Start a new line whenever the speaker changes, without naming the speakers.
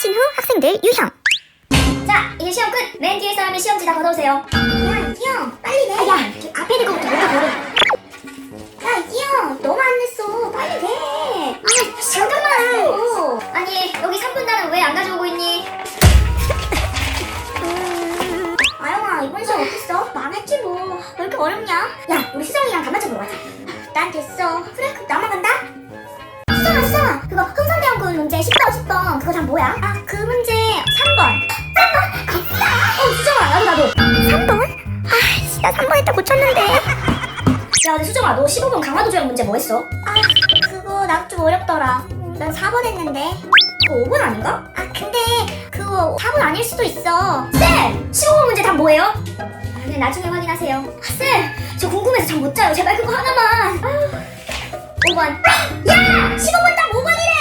마친 후 학생들 유형.
자, 이제 시험 끝! 맨 뒤에 사람이 시험지 다 걷어오세요.
야, 이형 빨리 내.
야, 저 앞에 있는 거부터 먼저 걸어.
야, 이형 너무 안 냈어. 빨리 내.
아, 잠깐만! 아니, 여기 3분단은 왜 안 가져오고 있니?
아영아, 이번 시험 어땠어? 망했지 뭐. 왜 이렇게 어렵냐? 야, 우리 수정이랑 단맞춰 보러 가자. 난 됐어. 그래, 그럼 나만 간다. 수정아, 그거 흥선대원군 문제 10번 그거 다 뭐야? 아, 그 문제 3번. 3번? 아싸!
수정아, 나도.
3번? 아이씨, 나 3번 했다 고쳤는데.
야, 근데 수정아, 너 15번 강화도 조약 문제 뭐 했어?
아, 그거 나 좀 어렵더라. 난 4번 했는데.
그거 5번 아닌가?
아, 근데 그거 4번 아닐 수도 있어.
쌤! 15번 문제 답 뭐예요? 아, 그냥 나중에 확인하세요. 아, 쌤! 저 궁금해서 잠 못 자요. 제발 그거 하나만. 5번. 야! 15번 답 5번이래!